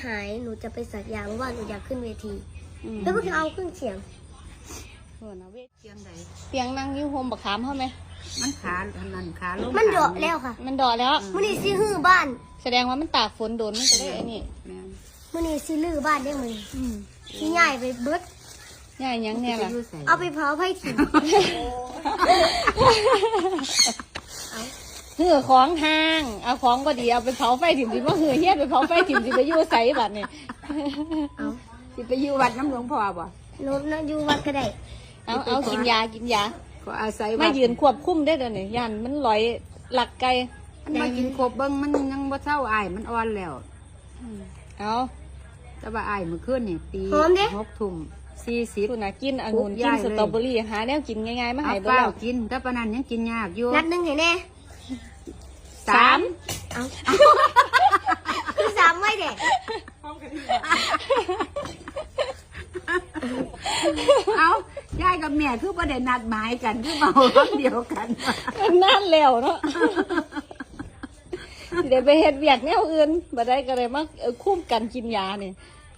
หายหนูจะไปสักยาเพราะว่าหนูอยากขึ้นเวทีแล้วก็เอาเครื่องเสียงเสียงใดเสียงนั่งยิ้วโฮมบักขามเขาไหมมันขาอันนั้นขาลงมันเดาะแล้วค่ะมันเดาะแล้วมื้อนี้สิฮื้อบ้านแสดงว่ามันตากฝนโดนมันก็ได้ไอ้นี่มื้อนี้สิลื้อบ้านได้มื้อสิย้ายไปเบิดย้ายยังแน่ล่ะเอาไปเผาไผถิ่นหื้อของห้างเอาของก็ดีเอาไปเผาไฟถิ่มสิว่าหื้อเฮี้ยไปเผาไฟถิ่มสิไปอยู่ไสบัดนี่เอาสิไปอยู่วัดน้ำหลวงพ่อบ่หนูอยู่วัดก็ได้เอากินยาก็อาศัยมายืนควบคุมได้เดี๋ยวนี้ยันมันลอยหลักไกลมากินครบเบิ้งมันยังบ่เศร้าอายมันอ่อนแล้วเอาแต่ว่าอายมื้อคืนนี่ตี6:40คุณน่ะกินองุ่นกินสตรอเบอรี่หาแนวกินง่ายๆมาให้บ่แล้วกินแต่ปานนั้นยังกินยากอยู่นัดนึงให้แน่3เอาคือ3ไว้เด้เอายายกับแม่คือประเด็นนัดหมายกันคือเมาเดียวกันนั่นแล้วเนาะเดี๋ยวไปเฮ็ดเวียกแนวอื่นบ่ได้ก็เลยมาคุ้มกันกินยาเนี่ย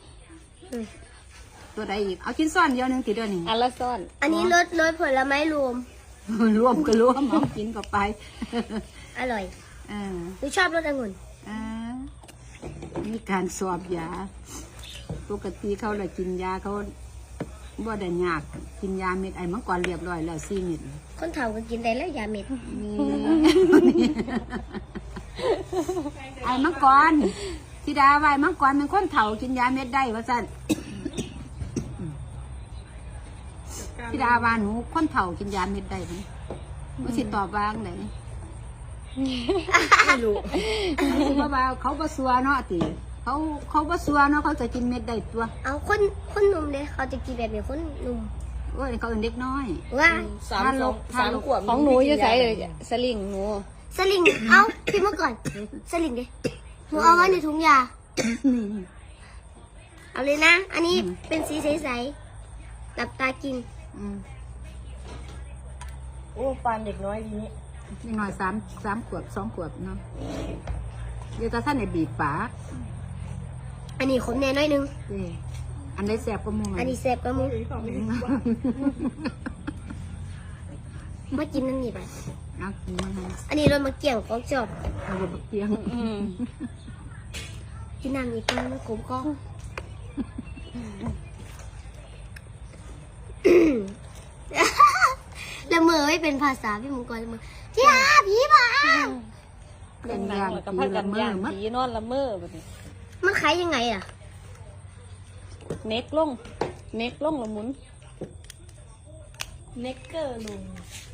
ตัวใดอีกเอากินซ่อนเดียวนึงติเด้อนี่อันละซ่อนอันนี้รสผลไม้รวมก็รวมเอากินก็ไปอร่อยหนูชอบรสองุ่นมีการสอบยาปกติเขาเลยกินยาเขาบ่ได้ยากกินยาเม็ดไอ้มังกรเรียบร้อยแล้ว4 เม็ดคนเฒ่าก็กินได้แล้วยาเม็ดไอ้มังกรธิดาไว้มังกรเป็นคนเฒ่ากินยาเม็ดได้ว่าซั่นธิดาว่าหนูคนเฒ่ากินยาเม็ดได้มั้ยบ่สิตอบว่าจังได๋ไม่รู้ว่าเขาบ่ซัวเนาะติเขาบ่ซัวเนาะเขาจะกินเม็ดได้ตัวเอาคนหนุ่มเด้เขาจะกินแบบนี้คนหนุ่มโอ้ยเขาเป็นเด็กน้อยว่า 3 ขวบของหนูอยู่ไสสลิงหนูสลิงเอาพี่เมื่อก่อนสลิงเด้หนูเอาไว้ในถุงยาเอาเลยนะอันนี้เป็นสีใสๆหลับตากินโอ้ปานเด็กน้อยดีนี้เด็กน้อย3 ขวบ 2 ขวบเนาะเดี๋ยวตาท่านในบีบปากอันนี้ขมแน่น้อยนึงอันนี้แสบก็มูอันนี้แสบก็มูมากินนั่นนี่ไปอันนี้เรามาเกี่ยวของจอบเรามาเกี่ยวกินน้ำอีกครั้งนะขมก็ละเมอไม่เป็นภาษาพี่มังกรละเมอที่หาผีบ้าเป็นอย่างกับพักกันย่างผีนอนละเมอแบบนี้มันขายยังไงอ่ะเน็กลงละมุนเน็กเกอร์ลง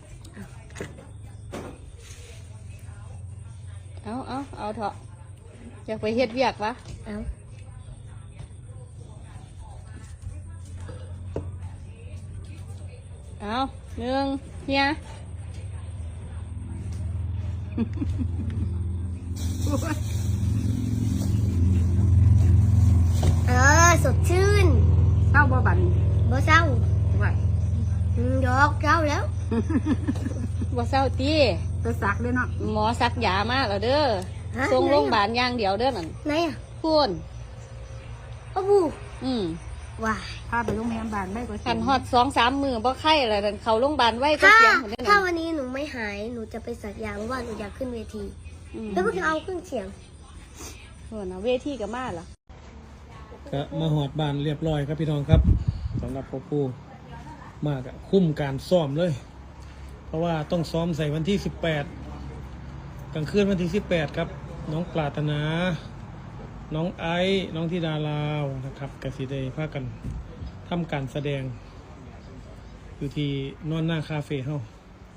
เอาเถอะอยากไปเฮ็ดเวียกวะเอา1เนี่ยสดชื่นเศร้าบ่บันบ่เศร้าไหวดอกเศร้าแล้วบ่เศร้าตีไปซักเด้อเนาะหมอซักยามาแล้วเด้อส่งโรงพยาบาลอย่างเดียวเด้อนั่นไหนอ่ะพูนอ้บูว้าพาไปโรงพยาบาลไม่ก็ขันฮอด2-3 มื้อบ่ไข้อะไรนั่นเข้าโรงพยาบาลไว้ก็เสียงคนนั้นถ้าวันนี้หนูไม่หายหนูจะไปสักยาเพราะว่าหนูอยากขึ้นเวทีแล้วก็เอาเครื่องเสียงนะเวทีก็มาเหรอก็มาหอดบ้านเรียบร้อยครับพี่น้องครับสำหรับพ่อปู่มากอะคุ้มการซ้อมเลยเพราะว่าต้องซ้อมใส่วันที่18กลางคืนวันที่18ครับน้องปรารถนาน้องไอซ์น้องธิดาลาวนะครับกสิเดย์พากันทำการแสดงอยู่ที่นอนหน้าคาเฟ่เฮา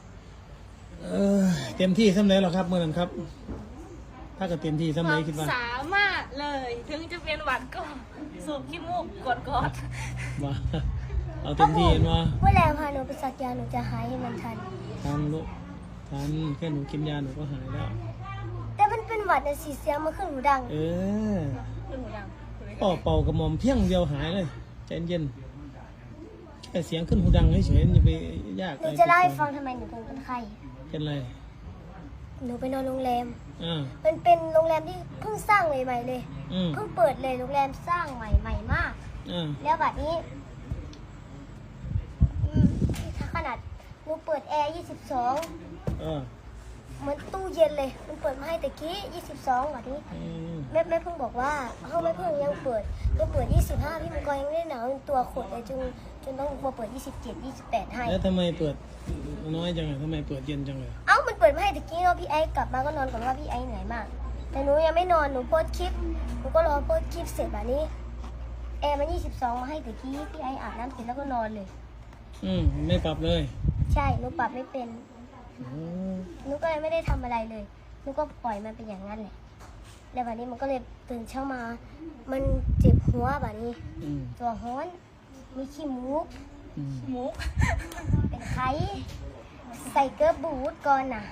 เต็มที่สำเร็จแล้วครับเมื่อนั้นครับถ้าก็เต็มที่สำเร็จคิดว่าสามารถเลยถึงจะเป็นหวัดก็สูบขี้มูกกดว่าเอาเต็มที่เห็นว่าเมื่อแล้วพาหนูไปสักยาหนูจะหายให้มันทันลูกทันแค่หนูกินยาหนูก็หายแล้วแต่มันเป็นหวัดในสีเสียงมาขึ้นหูดังขึ้นหูดังเป่ากระหม่อมเพียงเดียวหายเลยใจเย็นแค่เสียงขึ้นหูดังเฉยๆอย่าไปยากหนูจะเล่าให้ฟังทำไมหนูถึงเป็นไข้เป็นไรหนูไปนอนโรงแรมมันเป็นโรงแรมที่เพิ่งสร้างใหม่ๆเลยอืมเพิ่งเปิดเลยโรงแรมสร้างใหม่มาก แล้วบัดนี้ถ้าขนาดหนูเปิดแอร์22เหมือนตู้เย็นเลย มันเปิดมาให้แต่กี้22บัดนี้แม่เพิ่งบอกว่าเขาไม่เพิ่งยังเปิด25พี่มังกรยังไม่ได้หนาวเป็นตัวขดเลยจนต้องมาเปิด27 28ให้แล้วทำไมเปิดน้อยจังเลยทำไมเปิดเย็นจังเลยเอ้ามันเปิดมาให้แต่กี้เนาะพี่ไอ้กลับมาก็นอนก่อนว่าพี่ไอ้เหนื่อยมากแต่หนูยังไม่นอนหนูโพสคลิปหนูก็รอโพสคลิปเสร็จแบบนี้แอร์มัน22มาให้แต่กี้พี่ไอ้อาบน้ำเสร็จแล้วก็นอนเลยไม่ปรับเลยใช่หนูปรับไม่เป็นหนูก็เลยไม่ได้ทำอะไรเลยหนูก็ปล่อยมันเป็นอย่างนั้นแหละแล้ววันนี้มันก็เลยตื่นเช้ามามันเจ็บหัวแบบนี้ตัวฮ้อนมีขี้มูกมุกเป็นไข้ใส่เกลือบูทก่อนน่ะ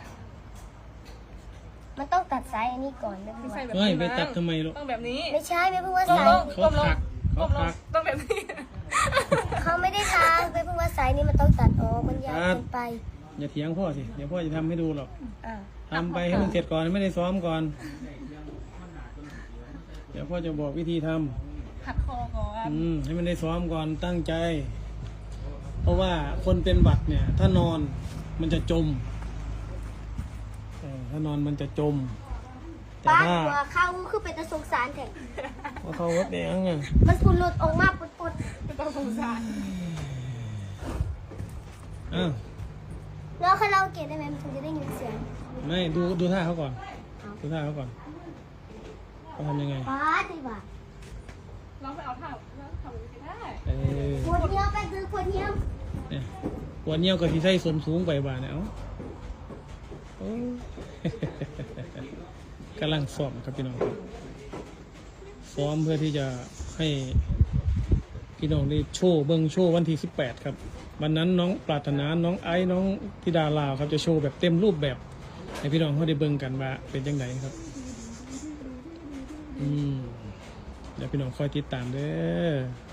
มันต้องตัดสายอันนี้ก่อนไม่รู้ใส่แบบเฮ้ยนี้ไปนะตัดทำไมลูกต้องแบบนี้ไม่ใช่ไม่เพิ่งว่าก้มสายลงก้มลงเขาก้มลพังกต้องแบบนี้เขาไม่ได้ทางไม่เพิ่งว่าสายนี้มันต้องตัดออกมันยาวเกินไปอย่าเถียงพ่อสิเดี๋ยวพ่อจะทำให้ดูหรอกอ่าทำไปให้มันเสร็จก่อนไม่ได้ซ้อมก่อน เดี๋ยวพ่อจะบอกวิธีทำหัดคอก่อนให้มันได้ซ้อมก่อนตั้งใจ เพราะว่าคนเป็นหวัดเนี่ย ถ้านอนมันจะจมถ้านอนมันจะจม แต่ป้าถ้าหัวเข้าคือเป็นตะสงสารแท้ว่าเขาวัดแดงอ่ะมันพูดหลุดออกมาปุดเป็นต้องสงสารแล้วคาราโอเกะได้ไหมมันถึงจะได้ยินเสียงไม่ดูท่าเขาก่อน ดูท่าเขาก่อนเขาทำยังไงป้าดีกว่าลองไปเอาท่าแล้วทำก็ได้ปวดเหี้ยวไปคือปวดเหี้ยวเนี่ยวันนี้ก็ที่ใส่ส่วนสูงไปบ้านเนี่ยโอ้ กำลังซ้อมครับพี่น้องครับซ้อมเพื่อที่จะให้พี่น้องได้โชว์เบิ้งโชว์วันที่18ครับวันนั้นน้องปรารถนาน้องไอ้น้องธิดาลาวครับจะโชว์แบบเต็มรูปแบบให้พี่น้องเขาได้เบิ้งกันว่าเป็นยังไงครับเดี๋ยวพี่น้องคอยติดตามเด้อ